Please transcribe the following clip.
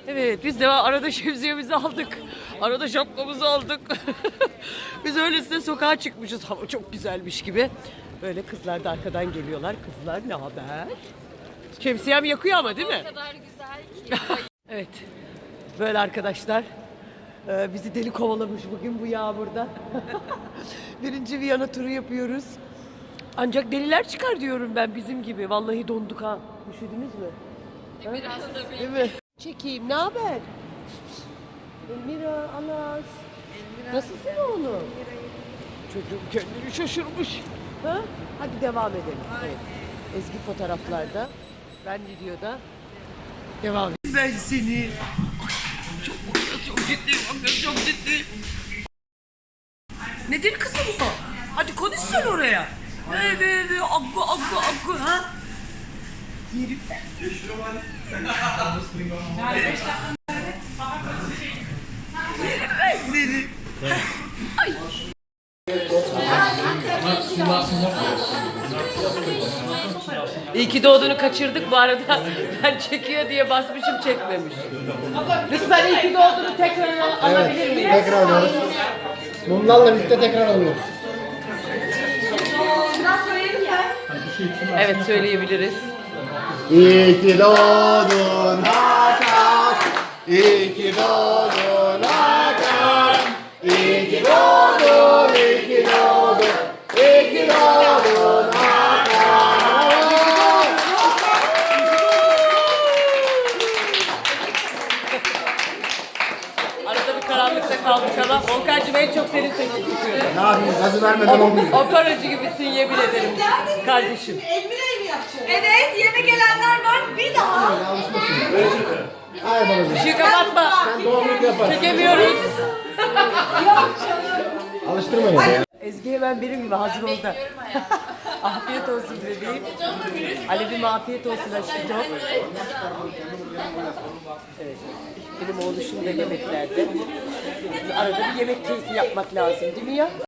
Evet, biz de arada şemsiyemizi aldık. Arada şapkamızı aldık. Biz öylesine sokağa çıkmışız. Hava çok güzelmiş gibi. Böyle kızlar da arkadan geliyorlar. Kızlar ne haber? Şemsiyem yakıyor ama değil mi? O kadar güzel ki. Evet. Böyle arkadaşlar. Bizi deli kovalamış bugün bu yağmurda. Birinci Viyana turu yapıyoruz. Ancak deliler çıkar diyorum ben bizim gibi. Vallahi donduk ha. Üşüdünüz mü? Biraz tabii. Değil mi? Çekeyim. Ne haber? Elmira, Anas. Nasılsın oğlum? Çocuğum kendini şaşırmış. Ha? Hadi devam edelim. Evet. Ezgi fotoğraflarda. Ben videoda. Devam edelim. Ben seni. Çok ciddiyim. Çok ciddiyim. Nedir kızım bu? Hadi konuş sen oraya. Evet, akku ha? Yerim ben. Seni. Ay. İyi ki doğduğunu kaçırdık bu arada. Ben çekiyor diye basmışım çekmemiş. Lütfen iyi ki doğduğunu tekrar alabilir miyim? Tekrar alıyoruz. Mumlarla birlikte tekrar alıyoruz. Evet söyleyebiliriz. İyi ki doğdun Hakan. İyi ki doğdun Hakan. İyi ki doğdun, iyi ki doğdun. İyi ki doğdun Hakan. Arada bir karanlıkta kaldık ama Volkan'cığım en çok senin sesini tutuyorum. Ne yapayım? Gazı vermeden olmuyor. Operacı gibisin yemin ederim kardeşim. Elmire'yi mi yapacağız? Evet, yeni gelenler var. Bir daha. Hayır babacığım. Işığı kapatma. Sen doğumluk yaparsın. Çekemiyoruz. Alıştırmayın ya. Ezgi hemen benim gibi hazır oldu. Afiyet olsun bebeğim. Alevim afiyet olsun aşkım. Evet. Benim oğluşum da yemeklerde. Arada bir yemek keyfi yapmak lazım değil mi ya?